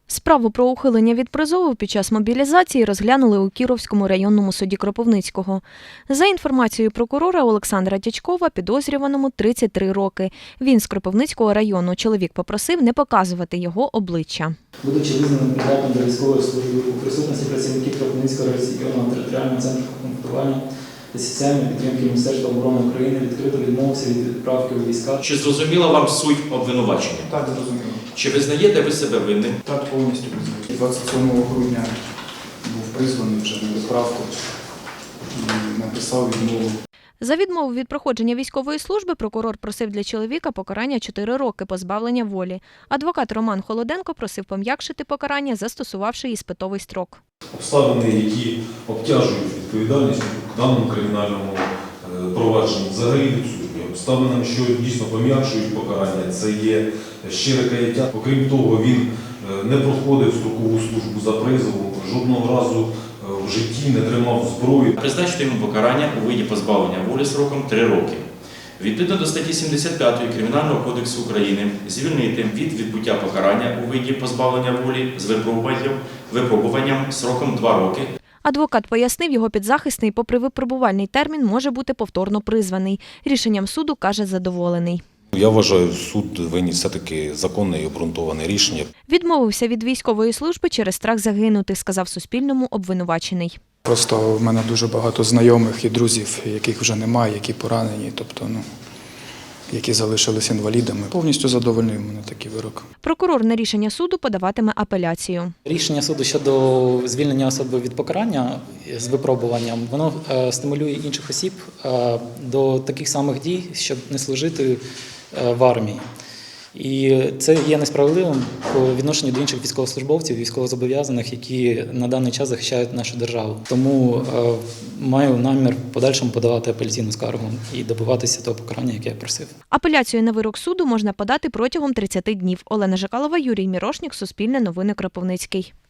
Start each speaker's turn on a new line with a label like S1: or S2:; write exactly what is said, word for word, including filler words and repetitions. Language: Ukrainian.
S1: Справу про ухилення від призову під час мобілізації розглянули у Кіровському районному суді Кропивницького. За інформацією прокурора Олександра Дячкова, підозрюваному тридцять три роки. Він з Кропивницького району. Чоловік попросив не показувати його обличчя.
S2: Будучи визнаним придатним до військової служби у присутності працівників Кропивницького районного територіального центру комплектування та соціальної підтримки Міністерства оборони України відкрито відмовився від відправки у війська.
S3: Чи зрозуміла вам суть обвинувачення?
S4: Так, зрозуміло.
S3: Чи визнаєте ви себе винним?
S4: Так, повністю визнаю. двадцять сьомого грудня був призваний вже на відправку і написав відмову.
S1: За відмову від проходження військової служби прокурор просив для чоловіка покарання чотири роки позбавлення волі. Адвокат Роман Холоденко просив пом'якшити покарання, застосувавши іспитовий строк.
S5: Обставини, які обтяжують відповідальність у даному кримінальному провадженні, взагалі відсутні. Обставинами, що дійсно пом'якшують покарання, це є щире каяття. Окрім того, він не проходив строкову службу за призовом, жодного разу в житті не тримав зброю.
S3: Призначити йому покарання у виді позбавлення волі сроком три роки. Відповідно до статті сімдесят п'ятої Кримінального кодексу України звільнити від відбуття покарання у виді позбавлення волі з випробуванням, випробуванням сроком два роки.
S1: Адвокат пояснив, його підзахисний, попри випробувальний термін, може бути повторно призваний. Рішенням суду, каже, задоволений.
S5: Я вважаю, суд виніс все-таки законне і обґрунтоване рішення.
S1: Відмовився від військової служби через страх загинути, сказав Суспільному обвинувачений.
S4: Просто в мене дуже багато знайомих і друзів, яких вже немає, які поранені, тобто, ну, які залишились інвалідами. Повністю задовольнив мене такий вирок.
S1: Прокурор на рішення суду подаватиме апеляцію.
S6: Рішення суду щодо звільнення особи від покарання з випробуванням, воно стимулює інших осіб до таких самих дій, щоб не служити в армії. І це є несправедливим по відношенню до інших військовослужбовців, військовозобов'язаних, які на даний час захищають нашу державу. Тому е, маю намір в подальшому подавати апеляційну скаргу і добиватися того покарання, яке я просив.
S1: Апеляцію на вирок суду можна подати протягом тридцяти днів. Олена Жакалова, Юрій Мірошнік, Суспільне новини, Кропивницький.